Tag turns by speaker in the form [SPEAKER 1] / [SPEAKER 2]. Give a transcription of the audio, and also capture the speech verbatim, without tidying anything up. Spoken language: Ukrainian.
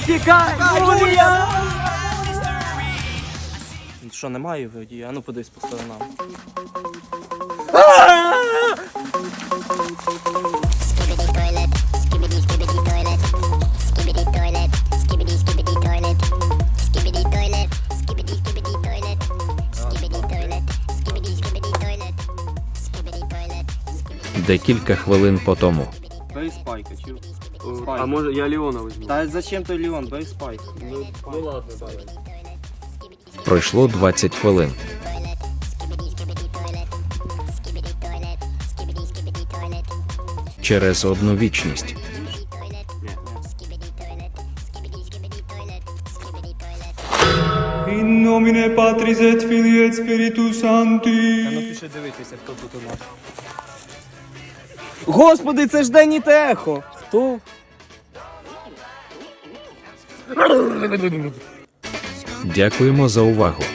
[SPEAKER 1] Тікай, Юлія! Що, немає водія? А ну подивись по сторонам.
[SPEAKER 2] Skibidi toilet, skibidi skibidi toilet, skibidi toilet, skibidi skibidi toilet, skibidi toilet, skibidi skibidi toilet, skibidi toilet, skibidi skibidi toilet, skibidi toilet, skibidi.
[SPEAKER 3] Декілька хвилин по тому.
[SPEAKER 1] Бей спайка, чув?
[SPEAKER 4] А може я Леона візьму?
[SPEAKER 1] Та зачем той Леон? Бей спайк.
[SPEAKER 4] Ну, ну ладно, давай.
[SPEAKER 3] Пройшло двадцять хвилин.
[SPEAKER 2] Toilet, skibidi skibidi toilet, skibidi toilet, skibidi skibidi toilet,
[SPEAKER 3] Через одну вічність.
[SPEAKER 2] toilet, skibidi toilet, skibidi skibidi toilet, skibidi toilet.
[SPEAKER 5] In nomine Patris et Filii et Spiritus
[SPEAKER 1] Та
[SPEAKER 5] Sancti.
[SPEAKER 1] ну пішли дивитися, хто тут у нас. Господи, це ж Дені Техо! Хто?
[SPEAKER 3] Дякуємо за увагу.